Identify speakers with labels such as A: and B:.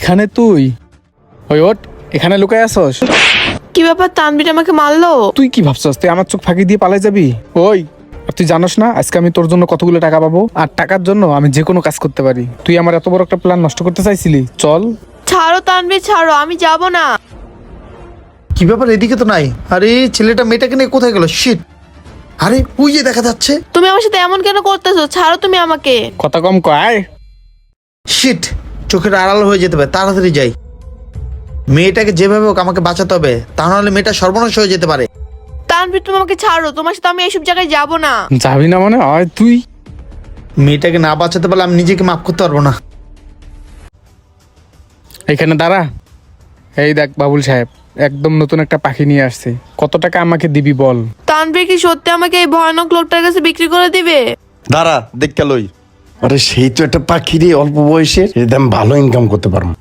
A: এখানে তুই ওই ওঠ, এখানে লুকায় আসস?
B: কি ব্যাপার, তানভীর আমাকে মারলো?
A: তুই কি ভাবছস তুই আমার চোখ ফাঁকি দিয়ে পালাই যাবি? ওই, আর তুই জানোস না আজকে আমি তোর জন্য কতগুলো টাকা পাবো? আর টাকার জন্য আমি যে কোনো কাজ করতে পারি। তুই আমার এত বড় একটা প্ল্যান নষ্ট করতে চাইছিলি? চল।
B: ছাড়ো তানভীর, ছাড়ো, আমি যাব না।
C: কি ব্যাপার, এদিকে তো নাই। আরে ছেলেটা মেয়েটাকে নিয়ে কোথায় গেল? শিট। আরে ওই যে দেখা যাচ্ছে।
B: তুমি আমার সাথে এমন কেন করতেছো? ছাড়ো তুমি আমাকে।
A: কথা কম কয়।
C: শিট, চোখের আড়াল হয়ে যেতে হবে, তাড়াতাড়ি যাই। মেয়েটাকে যেভাবে হোক আমাকে বাঁচাতে হবে, তা নাহলে মেয়েটা সর্বনাশ হয়ে যেতে পারে।
B: তানভীর তুমি আমাকে ছাড়ো, তোমার সাথে আমি এইসব জায়গায় যাব না।
A: যাবি না মানে? হয় তুই।
C: মেয়েটাকে না বাঁচাতে পারলে আমি নিজেকে মাফ করতে পারবো না।
A: এখানে দাঁড়া। এই দেখ বাবুল সাহেব, একদম নতুন একটা পাখি নিয়ে আসছে। কত টাকা আমাকে দিবি বল?
B: তানভীর কি সত্যি আমাকে এই ভয়ানক লোকটার কাছে বিক্রি করে দিবে?
D: দাঁড়া দেখতে লই। আরে সেই তো একটা পাখি রে, অল্প বয়সের, এর দাম ভালো ইনকাম করতে পারবো।